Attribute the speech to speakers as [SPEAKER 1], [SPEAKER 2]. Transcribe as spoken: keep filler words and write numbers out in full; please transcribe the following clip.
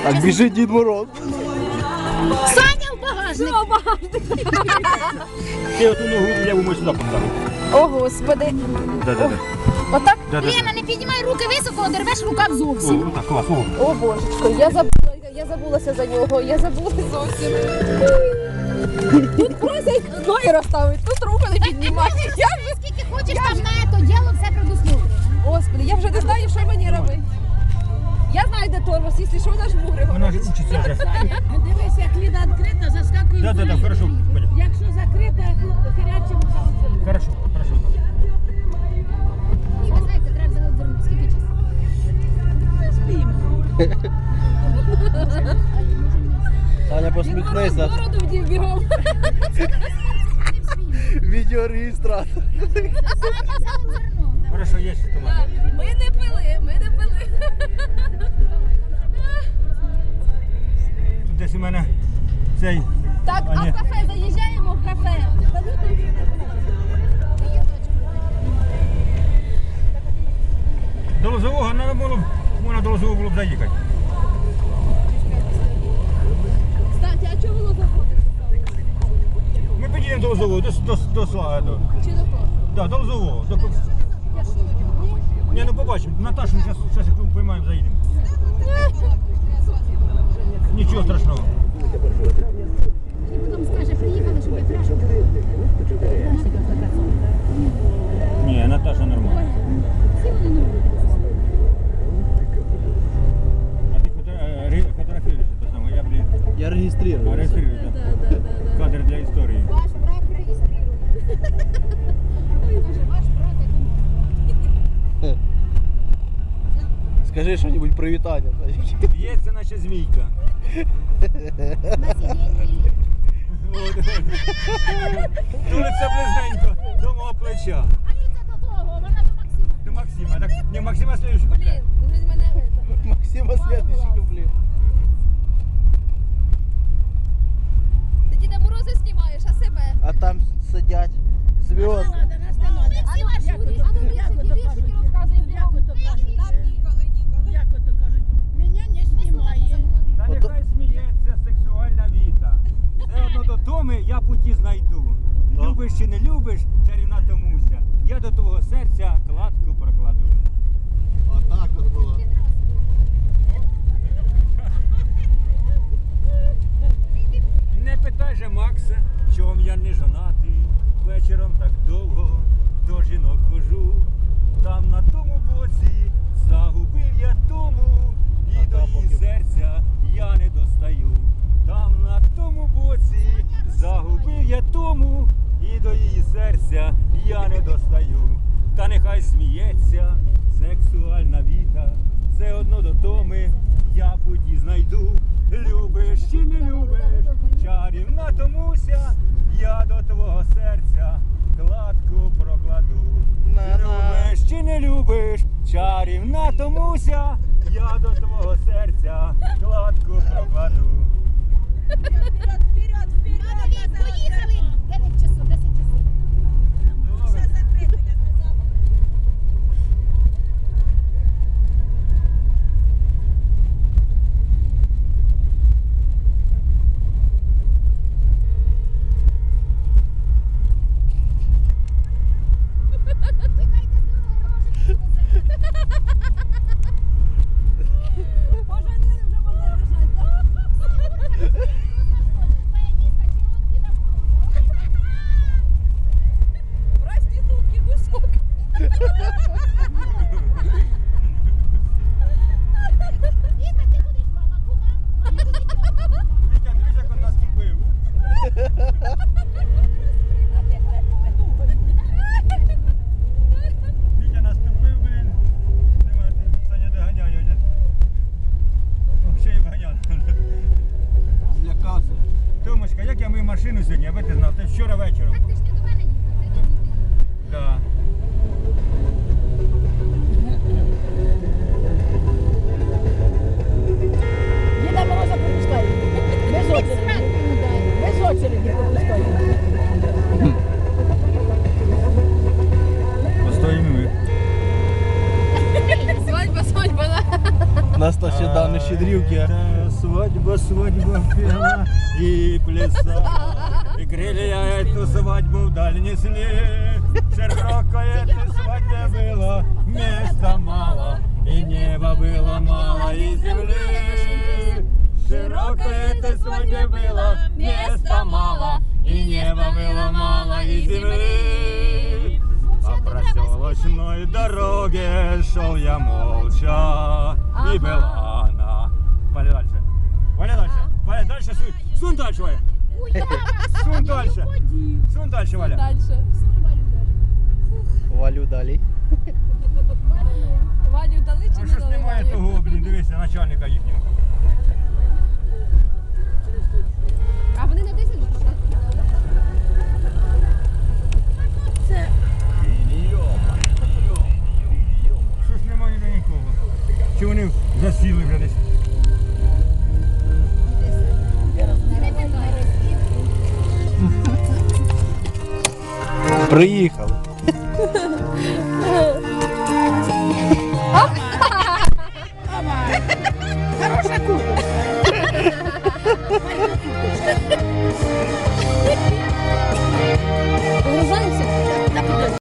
[SPEAKER 1] Так біжить Дід Мороз.
[SPEAKER 2] Саня в багажник.
[SPEAKER 3] Що, багажник?
[SPEAKER 4] Ти оту ногу ліву можеш сюди поставити.
[SPEAKER 3] О, Господи.
[SPEAKER 4] Да-да-да.
[SPEAKER 3] Отак?
[SPEAKER 2] Лена, не піднімай руки високо, одервеш рукав зовсім.
[SPEAKER 4] О, так, клас, о.
[SPEAKER 3] О, божечко, я забула, я забулася за нього, я забула зовсім. Тут просять ноги розставити, тут руку не піднімати. Я вже,
[SPEAKER 2] Скільки хочеш там на це діло, все предусмотрено.
[SPEAKER 3] Господи, я вже не знаю, що мені робити. Я знаю, де тормоз, якщо що, наш мугри.
[SPEAKER 4] Вона ж учиться вже.
[SPEAKER 5] Дивись, як ліда відкрита, заскакує.
[SPEAKER 4] Да, да, да, хорошо, понял.
[SPEAKER 5] Якщо закрита, хирячимо за
[SPEAKER 4] Хорошо, хорошо.
[SPEAKER 2] Ні, ви знаєте, треба завернути. Скільки часу?
[SPEAKER 1] Таня, посміхнися.
[SPEAKER 3] Бороду вдів бігом.
[SPEAKER 1] Відеореєстратор.
[SPEAKER 4] Хорошо, є ще туман.
[SPEAKER 3] Ми не пили, ми не пили.
[SPEAKER 4] Тут десь у мене цей...
[SPEAKER 3] Так,
[SPEAKER 4] А,
[SPEAKER 3] а
[SPEAKER 4] ні.
[SPEAKER 3] в кафе заїжджаємо в кафе.
[SPEAKER 4] До Лозового треба було, б- можна до Лозового було б заїхати.
[SPEAKER 3] Кстати, а чого було заходити?
[SPEAKER 4] Ми підійдемо до Лозового, до, до, до Слава. До,
[SPEAKER 3] Чи до кого?
[SPEAKER 4] да, до Лозового. До... Ні, ну побачимо. Наташу зараз, зараз як поймаємо, заїдемо. Нічого страшного.
[SPEAKER 2] І потім скаже, приїхали, щоб я пляшку.
[SPEAKER 4] Ні, Наташа нормально.
[SPEAKER 2] Всі вони не
[SPEAKER 4] А ти фото- е, ре- фотографуєш те саме, я, блін,
[SPEAKER 1] Я реєструю.
[SPEAKER 4] реєструю, так?
[SPEAKER 3] Да, да, да, да.
[SPEAKER 4] Кадр для історії.
[SPEAKER 2] Ваш брак реєструє. Каже, ваш брак, я думаю.
[SPEAKER 1] Скажи щось привітання.
[SPEAKER 4] Б'ється, наче змійка.
[SPEAKER 2] На сидінні.
[SPEAKER 4] Тулиться близненько до мого плеча.
[SPEAKER 2] А він це до того, вона до Максима.
[SPEAKER 4] До Максима. Так, не Максима слідуючий.
[SPEAKER 3] Блін, він мене это.
[SPEAKER 1] Максима следующий куплет.
[SPEAKER 3] Ти Діда Мороза знімаєш, а себе?
[SPEAKER 1] А там сидять зв'язки.
[SPEAKER 2] А ну, а Шурі, а ну віршики, віршики розказуй.
[SPEAKER 5] Як ото кажуть, як ото кажуть, мене не знімає.
[SPEAKER 4] Та нехай сміється сексуальна віта. Все одно до Томи я путі знайду. Любиш чи не любиш, чарівна Томуся, я до твого серця кладку прокладу.
[SPEAKER 1] Отак от було.
[SPEAKER 4] Не питай же Макса, чом я не жонатий, вечором так довго до жінок хожу. Там на тому боці загубив я тому, і до її серця я не достаю. Там на тому боці загубив я тому, і до її серця я не достаю. Та нехай сміється сексуальна віта, все одно до Томи я путі знайду. Любиш чи не любиш, чарівна Томуся, я до твого серця кладку прокладу. Любиш чи не любиш, чарівна Томуся, я до твого серця кладку прокладу.
[SPEAKER 5] Вперед, вперед, вперед!
[SPEAKER 2] Поїхали! дев'ять часов, десять часов.
[SPEAKER 5] Все закрито, я казала.
[SPEAKER 3] Поженили, вже можна рожати, так? Проститутки, кусок.
[SPEAKER 2] Віка, ти будеш мама, кума?
[SPEAKER 4] Вітя, дивись, як він наступив. Вітя наступив, блін. Нема, ти, Саня доганяє. вже. О, ще й вганяв.
[SPEAKER 1] Злякався.
[SPEAKER 4] Томочка, як я мию машину сьогодні, аби ти знав, ти вчора вечором.
[SPEAKER 2] Так ти ж не до мене їхав, ти до дітей.
[SPEAKER 4] Да.
[SPEAKER 5] Діда Мороза пропускай. Без очереди. Без очереди пропускай.
[SPEAKER 4] Постоїмо ми.
[SPEAKER 3] Свадьба, свадьба, да.
[SPEAKER 1] Нас то сюди не щедрівки.
[SPEAKER 4] Та свадьба, свадьба пела и плясала. И крылья эту свадьбу вдаль несли. Широкое этой свадьбе было места мало, и неба было мало, и земли. Широкое этой свадьбе было места мало, и неба было мало, и земли. По проселочной дороге шел я молча, и была она. Валя дальше, Валя дальше, Валя дальше, сунь, сунь дальше, Валя. Сунь дальше, сунь дальше, Валя.
[SPEAKER 3] Дальше.
[SPEAKER 1] Валю далі.
[SPEAKER 3] Вадю дали чи
[SPEAKER 4] А
[SPEAKER 3] не
[SPEAKER 4] що ж
[SPEAKER 3] дали
[SPEAKER 4] немає
[SPEAKER 3] Валю?
[SPEAKER 4] того, блін, дивися, начальника їхнього.
[SPEAKER 2] А вони на дизель вже?
[SPEAKER 4] Що ж немає ніде нікого? Чи вони засіли вже десь?
[SPEAKER 1] Приїхали.